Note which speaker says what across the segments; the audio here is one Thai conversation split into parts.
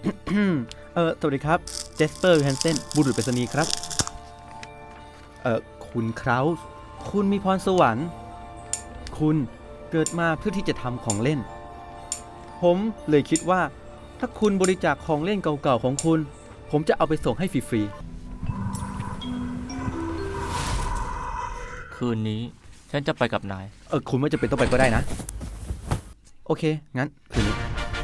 Speaker 1: สวัสดีครับเจสเปอร์แฮนเซนบุรุษไปรษณีย์ครับคุณคราวส์คุณมีพรสวรรค์คุณเกิดมาเพื่อที่จะทำของเล่นผมเลยคิดว่าถ้าคุณบริจาคของเล่นเก่าๆของคุณผมจะเอาไปส่งให้ฟรี
Speaker 2: คืนนี้ฉันจะไปกับนาย
Speaker 1: คุณไม่จำเป็นต้องไปก็ได้นะโอเคงั้นคืนนี้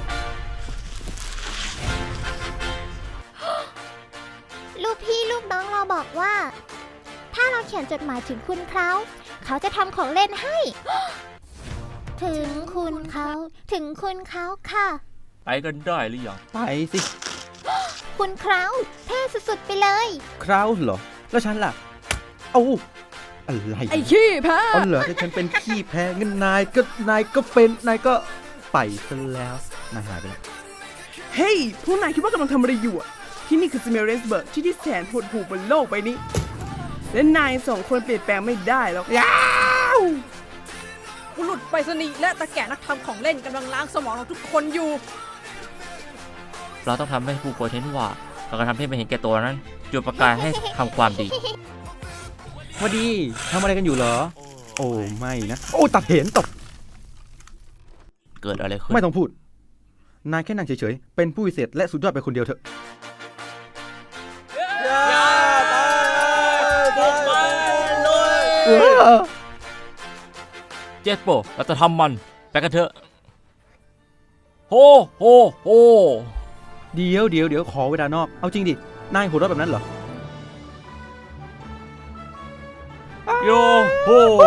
Speaker 3: ลูกพี่ลูกน้องเราบอกว่าถ้าเราเขียนจดหมายถึงคุณเขาจะทำของเล่นให้ ถึงคุณเขาค่ะ
Speaker 2: ไปกันได้หรือยัง
Speaker 1: ไปสิ
Speaker 3: คุณเท่สุดๆไปเลย
Speaker 1: คราวส์เหรอแล้วฉันล่ะเอาอะไร
Speaker 4: ไอ้ขี้แพ้
Speaker 1: อ๋อเหรอถ้าฉันเป็นขี้แพ้งั้นนายก็ไปซะแล้วนายหายไปแล้ว
Speaker 4: เฮ้ยพวกนายคิดว่ากำลังทำอะไรอยู่อะที่นี่คือสเมเรสเบิร์กที่แสนหดหู่บนโลกใบนี้และนายสองคนเปลี่ยนแปลงไม่ได้หรอกยาวบุรุษไปรษณีย์และตะแก่นักทำของเล่นกำลังล้างสมองเราทุกคนอยู่
Speaker 2: เราต้องทำให้ผู้คนเห็นว่าเรากระทำให้ไม่เห็นแก่ตัวนั้นจุดประกายให้ทำความดี
Speaker 1: พอดีทำอะไรกันอยู่เหรอโอ้ไม่นะโอ้ตัดเห็นตก
Speaker 2: เกิดอะไรขึ้น
Speaker 1: ไม่ต้องพูดนายแค่นั่งเฉยๆเป็นผู้พิเศษและสุดยอดไปคนเดียวเถอะ
Speaker 2: เจสโปเราจะทำมันไปกันเถอะโฮโฮโฮ
Speaker 1: เดี๋ยวขอเวลานอกเอาจริงดินายหัวเราะแบบนั้นเหรอ
Speaker 2: โยโฮ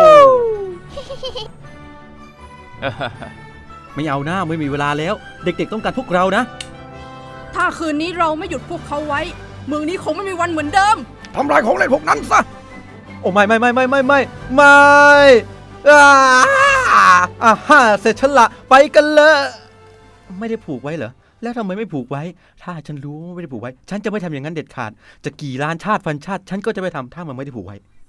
Speaker 1: ไม่เอาหน้าไม่มีเวลาแล้ว เด็กๆต้องการพวกเรานะ
Speaker 4: ถ้าคืนนี้เราไม่หยุดพวกเขาไว้เมืองนี้คงไม่มีวันเหมือนเดิม
Speaker 1: ทำลายของเล่นพวกนั้นซะโอ้ไม่ฮ่าเสร็จฉันละไปกันเลยไม่ได้ผูกไว้เหรอแล้วทำไมไม่ผูกไว้ถ้าฉันรู้ว่าไม่ได้ผูกไว้ฉันจะไม่ทำอย่างนั้นเด็ดขาดจะกี่ล้านชาติพันชาติฉันก็จะไม่ทำถ้ามันไม่ได้ผูกไว้